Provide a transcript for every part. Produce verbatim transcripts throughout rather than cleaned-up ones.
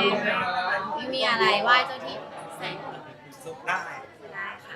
ไม่มีอะไรไหว้เจ้าที่แสงได้ได้ค่ะ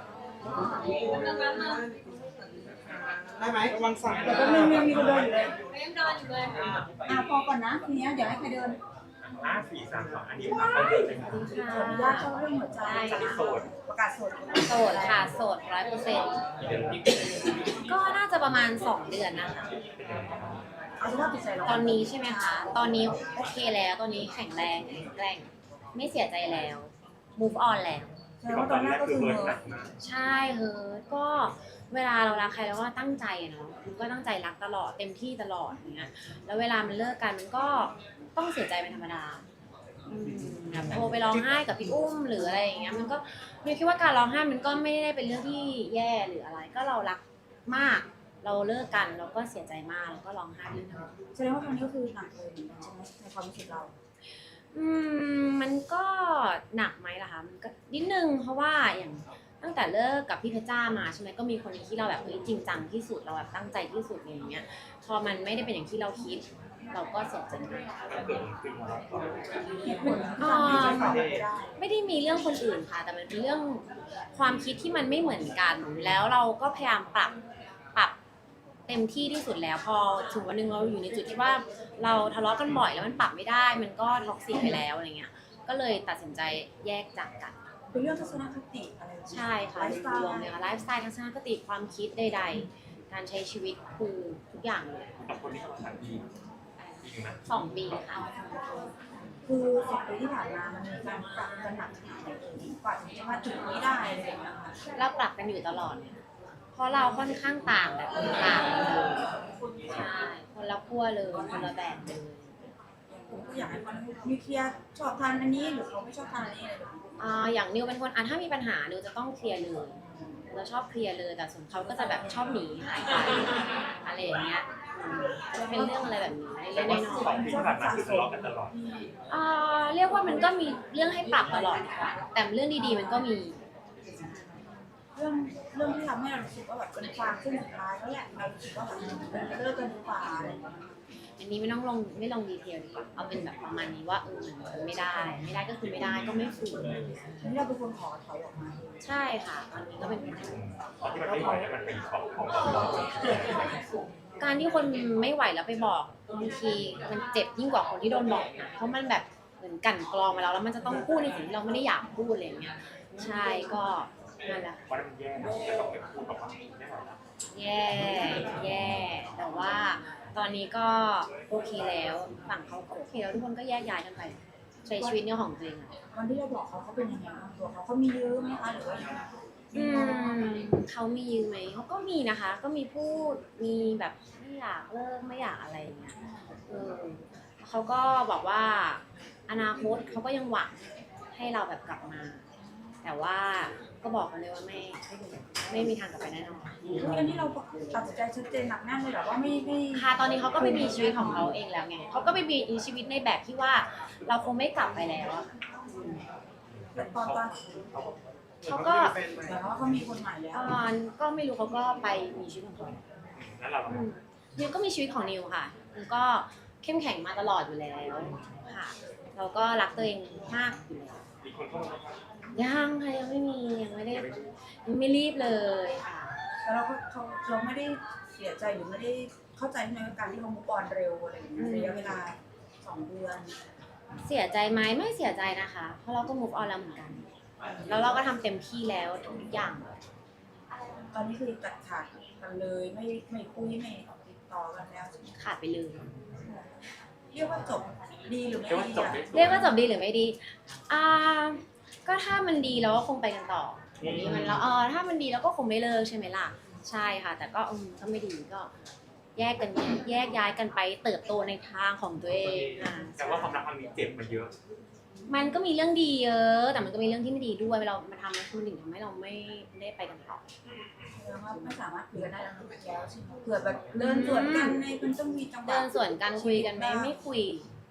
ได้ไหมระวังสายแต่ก็ยังยังมีคนเดินอยู่เลยยังเดินอยู่เลยอ่ะพอก่อนนะทีนี้เดี๋ยวให้ใครเดินห้าสี่สามสองอันนี้ครับเราเดินเลยครับขออนุญาตเข้าเรื่องหัวใจโสดประกาศโสดโสดค่ะโสดร้อยเปอร์เซ็นต์ก็น่าจะประมาณสองเดือนนะคะเอาสภาพจิตใจเราตอนนี้ใช่ไหมคะ ตอนนี้โอเคแล้ว ตอนนี้แข็งแรงแข็งแกร่งไม่เสียใจแล้ว move on แล้วแสดงว่าตอนแรกก็คือเออใช่เฮ้ยก็เวลาเรารักใครเราก็ตั้งใจอะเนาะมันก็ตั้งใจรักตลอดเต็มที่ตลอดอย่างเงี้ยแล้วเวลามันเลิกกันมันก็ต้องเสียใจเป็นธรรมดาอืมแบบโทรไปร้องไห้กับพี่อุ้มหรืออะไรอย่างเงี้ยมันก็มิวคิดว่าการร้องไห้มันก็ไม่ได้เป็นเรื่องที่แย่หรืออะไร ก็เรารักมาก เราเลิกกันเราก็เสียใจมากแล้วก็ร้องไห้เรื่องนั้นแสดงว่าตอนนี้ก็คือหนักเลยเหมือนกันใช่ไหมในความรู้สึกเราอืมมันก็หนักไหมล่ะคะมันก็นิดนึงเพราะว่าอย่างตั้งแต่เลิกกับพี่เพชรจ้ามาใช่ไหมก็มีคนที่เราแบบเฮ้ยจริงจังที่สุดเราแบบตั้งใจที่สุดอย่างเงี้ยพอมันไม่ได้เป็นอย่างที่เราคิด เราก็เสียใจมากเหตุผลที่ทำให้เราไม่ได้ไม่ได้มีเรื่องคนอื่นค่ะ แต่มันเป็นเรื่องความคิดที่มันไม่เหมือนกัน แล้วเราก็พยายามปรับปรับเต็มที่ที่สุดแล้วพอถึงวันหนึ่งเราอยู่ในจุดที่ว่าเราทะเลาะกันบ่อยแล้วมันปรับไม่ได้ มันก็ท็อกซิกไปแล้วอะไรเงี้ยก็เลยตัดสินใจแยกจากกันเป็นเรื่องทัศนคติอะไรใช่ค่ะไลฟ์สไตรวมเลยล์ค่ะไลฟ์สไตล์ทัศนคติความคิดใดๆ การใช้ชีวิตคือทุกอย่างเลยกับคนที่เขาสามีจริงนะสองปีค่ะคือสองปีที่ผ่านมามันมีการปรับกันหนักขนาดไหนเอ่ยกว่าจะมาถึงนี้ได้อะไรอย่างเงี้ยค่ะเราปรับกันอยู่ตลอดเนี่ยเพราะเราค่อนข้างต่างแบบต่างเลยใช่คนละขั้วเลยคนละแบบเลยผมก็อยากให้มันมีเคลียร์ชอบทานอันนี้หรือเขาไม่ชอบทานอันนี้อะไรแบบนี้อ่าอย่างนิวเป็นคนอ่ะถ้ามีปัญหานิวจะต้องเคลียร์เลยเราชอบเคลียร์เลยแต่ส่วนเขาก็จะแบบชอบหนีหายไปอะไรอย่างเงี้ยอืมจะเป็นเรื่องอะไรแบบนี้แต่เล็กว่าๆน้สออง ยปีที่ผ่านมาคือทะเลาะกันตลอดๆอ่าเรียกว่ามันก็มีเรื่องให้ปรับตลอดค่ะแต่เรื่องดีๆมันก็มีเรื่องเรื่องที่ทำให้เรารู้สึกว่าแบบเป็นความเส้นสุดท้ายแล้วแหละเรารู้สึกว่าแบบมันจะเลิกกันดีกว่าอะไรอย่างเงี้ยอันนี้ไม่ต้องลงไม่ลงดีเทลดีกว่าเอาเป็นแบบประมาณนี้ว่าเออมันไม่ได้ ไม่ได้ก็คือไม่ได้ก็ไม่ฝืนทีนี้เราเป็นคนขอถอยออกมาเองใช่ค่ะตอนนี้ก็เป็นปัญหาตอนที่มันไม่ไหวแล้วมันเป็นของของเราการที่คนไม่ไหวแล้วไปบอกบางทีมันเจ็บยิ่งกว่าคนที่โดนบอกนะเพราะมันแบบเหมือนกลั่นกรองมาแล้วแล้วมันจะต้องพูดในสิ่งที่เราไม่ได้อยากพูดอะไรอย่างเงี้ยใช่ก็นั่นแหละเพราะมันแย่นะแล้วต้องไปพูดกับมันไม่ไหวแล้วแย่แย่แต่ว่าตอนนี้ก็โอเคแล้วฝั่งเขาก็โอเคแล้วทุกคนก็แยกย้ายกันไปใช้ชีวิตเนี่ยของตัวเองอะวันที่เราบอกเขาเขาเป็นยังไงบ้างตัวเขาเขามีเยอะไหมคะหรือว่ายังไงอืมเขามียืมไหมเขาก็มีนะคะ ก็มีพูดมีแบบไม่อยากเลิกไม่อยากอะไรอย่างเงี้ยเออเขาก็บอกว่าอนาคตเขาก็ยังหวังให้เราแบบกลับมา แต่ว่าก็บอกกันเลยว่าไม่ไม่มีทางกลับไปแน่นอนคืออันนี้เราตัดสินใจชัดเจนหนักแน่นเลยแบบว่าไม่ไม่ค่ะตอนนี้เขาก็ไปมีชีวิตของเขาเองแล้วไงเขาก็ไปมีชีวิตในแบบที่ว่าเราคงไม่กลับไปแล้วอะค่ะอืมแต่ตอนตอนเขาก็แต่ว่าเขามีคนใหม่แล้วตอนก็ไม่รู้เขาก็ไปมีชีวิตของเขาแล้วเราอืมนิวก็มีชีวิตของนิวค่ะนิวก็เข้มแข็งมาตลอดอยู่แล้วค่ะ เราก็รักตัวเองมากอยู่แล้วมีคนเข้ามายังค่ะยังไม่มียังไม่ได้ยังไม่รีบเลยค่ะแต่เราก็เขาเราไม่ได้เสียใจหรือไม่ได้เข้าใจในการที่เขามุกออนเร็วอะไรอย่างเงี้ยระยะเวลาสองเดือนเสียใจไหมไม่เสียใจนะคะ เพราะเราก็ move on แล้วเหมือนกัน แล้วเราก็ทำเต็มที่แล้วทุกอย่างเลยตอนนี้คือตัดขาดกันเลยไม่ไม่คุยไม่ติดต่อกันแล้วขาดไปเลยเรียกว่าจบดีหรือไม่เรียกว่าดีจบอะได้เรียกว่าจบดีหรือไม่ดี อ่า ก็ถ้ามันดีเราก็คงไปกันต่ออย่างนี้มันแล้วเออถ้ามันดีเราก็คงไม่เลิกใช่ไหมล่ะ ใช่ค่ะ แต่ก็อืมก็ไม่ดีก็ แยกกันแยกย้ายกันไปเติบโตในทางของตัวเองอ่าแต่ว่าความรักครั้งนี้เจ็บมาเยอะมันก็มีเรื่องดีเยอะ แต่มันก็มีเรื่องที่ไม่ดีด้วยเรามาทำแล้วมันถึงทำให้เราไม่ได้ไปกันต่อแสดงว่าไม่สามารถคุยกันได้แล้วใช่ไหมเผื่อแบบเดินสวนกันในมันต้องมีจังหวะเดินสวนกันคุยกันไหมไม่คุย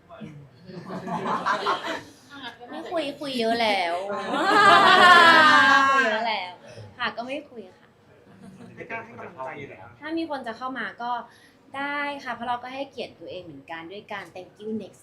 ไม่คุยคุยเยอะแล้วคุยเยอะแล้ว ค่ะก็ไม่คุยค่ะไม่กล้าให้กำลังใจอยู่แล้วถ้ามีคนจะเข้ามาก็ได้ค่ะ เพราะเราก็ให้เกียรติตัวเองเหมือนกันด้วยการ thank you next ค่ะ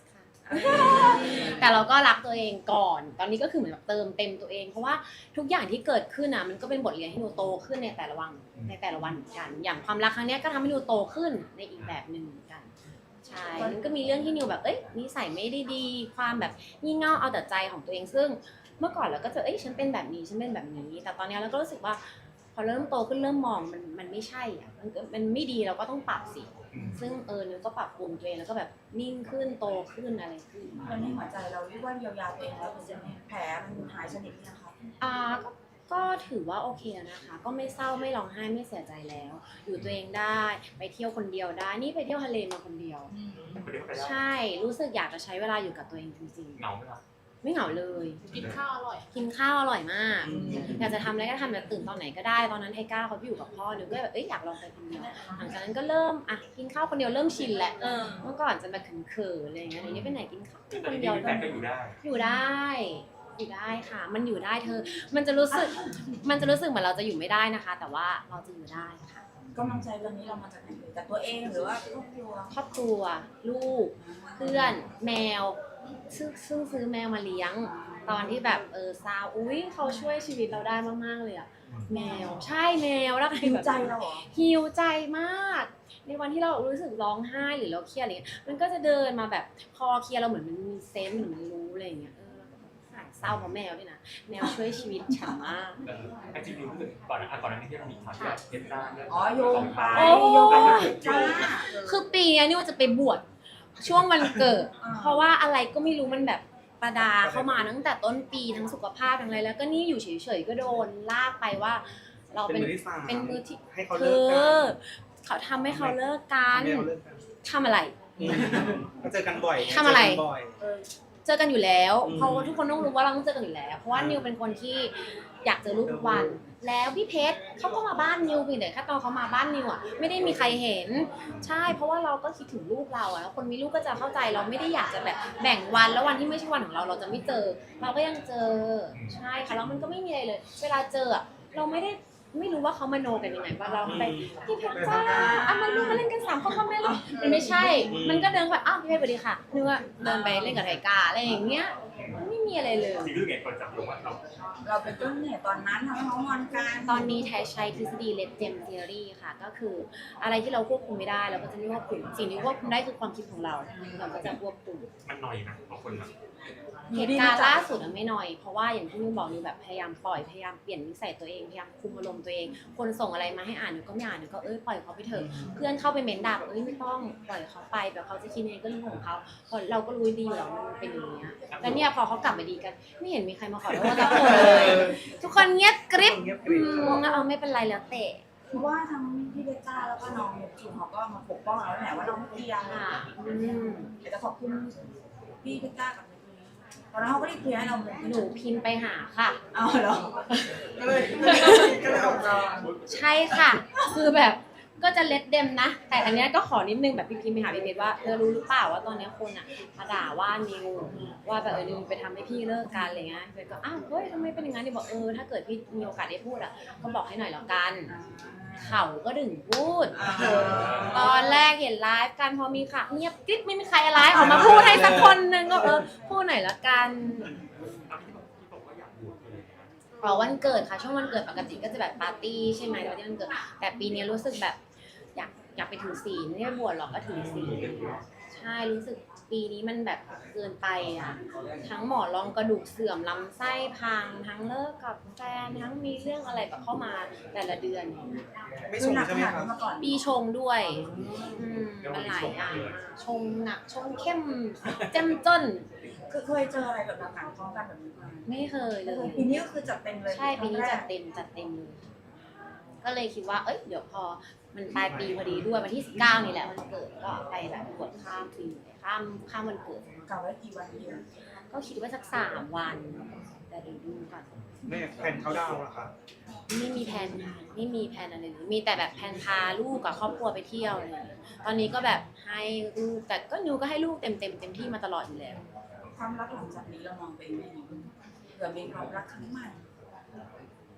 แต่เราก็รักตัวเองก่อน ตอนนี้ก็คือเหมือนแบบเติมเต็มตัวเอง เพราะว่าทุกอย่างที่เกิดขึ้นอ่ะมันก็เป็นบทเรียนให้หนูโตขึ้นในแต่ละวันในแต่ละวันเหมือนกัน อย่างความรักครั้งเนี้ยก็ทำให้หนูโตขึ้นในอีกแบบหนึ่งเหมือนกัน ใช่ มันก็มีเรื่องที่นิวแบบ เอ้ยนิสัยไม่ได้ดี ความแบบงี่เง่าเอาแต่ใจของตัวเอง ซึ่งเมื่อก่อนเราก็จะ เอ้ยฉันเป็นแบบนี้ ฉันเป็นแบบนี้ แต่ตอนนี้เราก็รู้สึกว่าพอเริ่มโตขึ้นเริ่มมองมันมันไม่ใช่อ่ะมันมันไม่ดีเราก็ต้องปรับสิ ซึ่งเออนิวก็ปรับปรุงตัวเองแล้วก็แบบนิ่งขึ้นโตขึ้นอะไรขึ้นตอนนี้หัวใจเราเรียกว่าเยียวยาตัวเองแล้วเป็นยังไงแผลมันหายสนิทหรือยังคะอ่าก็ก็ถือว่าโอเคแล้วนะคะ ก็ไม่เศร้าไม่ร้องไห้ไม่เสียใจแล้ว อยู่ตัวเองได้ไปเที่ยวคนเดียวได้ นี่ไปเที่ยวทะเลมาคนเดียวคนเดียวก็ไปได้ใช่รู้สึกอยากจะใช้เวลาอยู่กับตัวเองจริงเหงาไหมล่ะๆ ไม่เหงาเลยกินข้าวอร่อยกินข้าวอร่อยมาก อยากจะทำอะไรก็ทำแบบตื่นตอนไหนก็ได้ ตอนนั้นไทก้าเขาไปอยู่กับพ่อหนูก็แบบเอ้ยอยากลองไปคนเดียวหลังจากนั้นก็เริ่มอ่ะกินข้าวคนเดียวเริ่มชินแหละเออเมื่อก่อนจะแบบเขินๆอะไรอย่างเงี้ยเดี๋ยวนี้ไปไหนกินข้าวแต่คนที่เดียวมีแฟนก็อยู่ได้อยู่ได้ อยู่ได้ค่ะ มันอยู่ได้เธอ มันจะรู้สึก มันจะรู้สึกเหมือนเราจะอยู่ไม่ได้นะคะ แต่ว่าเราจะอยู่ได้ค่ะกำลังใจเรื่องนี้เรามาจากไหนเลยจากตัวเองหรือว่าครอบครัวครอบครัว ลูก เพื่อน แมว ซึ่งซึ่งซื้อแมวมาเลี้ยง ตอนที่แบบเออซาวอุ้ยเขาช่วยชีวิตเราได้มากๆเลยอะแมว ใช่แมวแล้วหิวแบบใจเราเหรอฮิวใจมาก ในวันที่เรารู้สึกร้องไห้หรือเราเครียดอะไรเงี้ย มันก็จะเดินมาแบบคอเคลียร์เราเหมือนมันมีเซนส์เหมือนมันรู้อะไรอย่างเงี้ย เออเราก็แบบหายเศร้าเพราะแมวด้วยนะ แมวช่วยชีวิตฉันมากเออไอ้จริงๆรู้สึกก่อนนะอ่ะก่อนหน้านี้ที่เรามีข่าวที่แบบเพชรจ้าเนี่ยอ๋อโยงไปโอ้โยงไปจ้าคือปีนี้นี่ว่าจะไปบวชช่วงวันเกิด เพราะว่าอะไรก็ไม่รู้มันแบบประดาเข้ามาตั้งแต่ต้นปีทั้งสุขภาพทั้งอะไรแล้วก็นี่อยู่เฉยๆก็โดนลากไปว่า เราเป็นเป็นมือที่สามเป็นมือที่ให้เขาเธเลิกกัอน เขาทำให้เขาเลิกกันให้เขาเลิกกันทำอะไรอืมก็เจอกันบ่อยทำอะไรเจกันบ่อยเจอกันอยู่แล้วอืมเพราะว่าทุกคนต้องรู้ว่าเราต้องเจอกันอยู่แล้ว เพราะว่านิวเป็นคนที่อยากเจอลูกทุกวัน แล้วพี่เพชรเขาก็มาบ้านนิวเพียงแต่แค่ตอนเขามาบ้านนิวอ่ะไม่ได้มีใครเห็น ใช่ เพราะว่าเราก็คิดถึงลูกเราอ่ะแล้วคนมีลูกก็จะเข้าใจเราไม่ได้อยากจะแบบแบ่งวันแล้ววันที่ไม่ใช่วันของเราเราจะไม่เจอ เราก็ยังเจอ ใช่ค่ะแล้วมันก็ไม่มีอะไรเลย เวลาเจออ่ะเราไม่ได้ไม่รู้ว่าเขามโนกันยังไงว่าเราไปพี่เพชรจ้าอ่ะมาลูกมาเล่นกันสามคนพ่อแม่ลูกมันไม่ใช่ มันก็เดินไปอ้าวพี่เพชรสวัสดีค่ะนึกว่าเดินไปเล่นกับไทกาอะไรอย่างเงี้ยมันไม่มีอะไรเลยจริงๆรู้ไงคนจับโยงว่าเราเราเป็นต้นเหตุตอนนั้นทำให้เขางอนกันตอนนี้แทใช้ทฤษฎี Red Gem Theory ค่ะ ก็คืออะไรที่เราควบคุมไม่ได้เราก็จะไม่ควบคุมสิ่งที่ควบคุมได้คือความคิดของเรา เราก็จะควบคุมมันหน่อยนะบางคนแบบเหตุการณ์ล่าสุดอะไม่น้อย เพราะว่าอย่างที่นิวบอกนิวแบบพยายามปล่อยพยายามเปลี่ยนนิสัยตัวเองพยายามคุมอารมณ์ตัวเอง คนส่งอะไรมาให้อ่านนิวก็ไม่อ่านนิวก็เอ้ยปล่อยเขาไปเถอะเพื่อนเข้าไปเม้นด่าบอกเอ้ยไม่ต้องปล่อยเขาไปแบบเขาจะคิดยังไงก็เรื่องของเขาเพราะเราก็รู้ดีอยู่แล้วมันเป็นอย่างเงี้ยแล้วเนี่ยพอเขากลับมาดีกันไม่เห็นมีใครมาขอโทษสักคนเลยทุกคนเงียบกริบเงียบกอืริบมแล้วเอาไม่เป็นไรแล้วเตะเพราะว่าทั้งพี่เบจ้าแล้วก็น้องจูนเขาก็มาปกป้องเราแหละว่าเราไม่เกี่ยวค่ะอืมแต่จะขอบคุณพี่เบจ้ากับตอนนั้นเขาก็ได้เคลียร์ให้เราเลยหนูพิมพ์ไปหาค่ะเอาเหรอก็เลยก็เลยออกมาใช่ค่ะ คือแบบก็จะเล็ดเดมนะ แต่อันเนี้ยก็ขอนิดนึงแบบพี่พิมพ์ไปหาพี่เพชรว่าเธอรู้หรือเปล่าว่าตอนเนี้ยคนอ่ะมาด่าว่านิวว่าแบบเออนิวไปทำให้พี่เลิกกันอะไรเงี้ยเพชรก็อ้าวเฮ้ยทำไมเป็นอย่างนั้นดิบอกเออถ้าเกิดพี่มีโอกาสได้พูดอ่ะก็บอกให้หน่อยแล้วกัน เขาก็ถึงพูด ตอนแรกเห็นไลฟ์กันพอมีค่ะเงียบกริบไม่มีใครไลฟ์ออกมาพูดให้สักคนนึงก็เออพูดหน่อยละกันที่บอกว่าอยากบวชเลยนะอ๋อวันเกิดค่ะช่วงวันเกิดปกติก็จะแบบปาร์ตี้ใช่ไหมแต่ว่าที่วันเกิดแต่ปีนี้รู้สึกแบบอยากอยากไปถือศีลไม่ได้บวชหรอกก็ถือศีลใช่รู้สึกปีนี้มันแบบเกินไปอ่ะทั้งหมอนรองกระดูกเสื่อมลำไส้พังทั้งเลิกกับแฟนทั้งมีเรื่องอะไรแบบเข้ามาแต่ละเดือนไม่คืชอง หนักใช่ขไหมนาดครันั้บนมาก่อนปีชงด้วยอืมมันหลายอย่างชงหนักชงเข้มเจ้มจนคือเคยเจออะไรแบบหนักๆพร้อมกันแบบนี้มาไม่เคยเลยปีนี้ก็คือจัดเต็มเลยใช่ปีนี้จัดเต็มจัดเต็มเลยก็เลยคิดว่าเอ้ยเดี๋ยวพอมันปลายปีพอดีด้วยวันที่สิบเก้านี่แหละวันเกิดก็ไปแบบบวชข้ามปีข้ามข้ามวันเกิดกล่าวไว้กี่วันเดียวก็คิดว่าสักสามวันแต่เดี๋ยวดูก่อนแม่แผนเขาดาวน์เหรอครับไม่มีแผนค่ะไม่มีแผนอะไรเลยมีแต่แบบแผนพาลูกกับครอบครัวไปเที่ยวอะไรอย่างเงี้ยตอนนี้ก็แบบให้ลูกแต่ก็นิวก็ให้ลูกเต็มเต็มเต็มที่มาตลอดอยู่แล้วความรักหลังจากนี้เรามองเป็นยังไงเผื่อมีความรักครั้งใหม่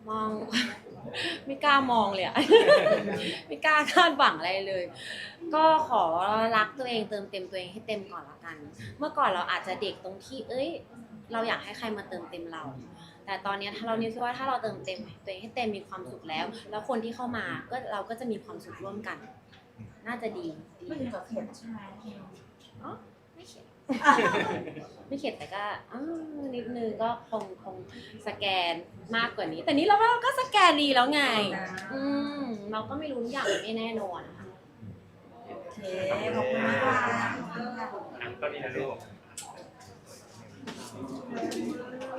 มอง ไม่กล้ามองเลยอะ ไม่กล้าคาดหวังอะไรเลย ก็ขอรักตัวเองเติมเต็มตัวเองให้เต็มก่อนละกัน เมื่อก่อนเราอาจจะเด็กตรงที่ เอ้ย เราอยากให้ใครมาเติมเต็มเรา แต่ตอนนี้ถ้าเราเนี่ยคิดว่าถ้าเราเติมเต็มตัวเองให้เต็มมีความสุขแล้ว แล้วคนที่เข้ามาก็เราก็จะมีความสุขร่วมกัน น่าจะดีดีไม่ถึงกับเข็ดใช่ไหมอ๋อไม่เข็ด ไม่เข็ดแต่ก็อ้าวนิดนึงก็คงคงสแกนมากกว่านี้ แต่นี้เราว่าเราก็สแกนดีแล้วไง อืมเราก็ไม่รู้ทุกอย่างมันไม่แน่นอนอะค่ะโอเคขอบคุณมากค่ะอ่ะก็นี่นะลูก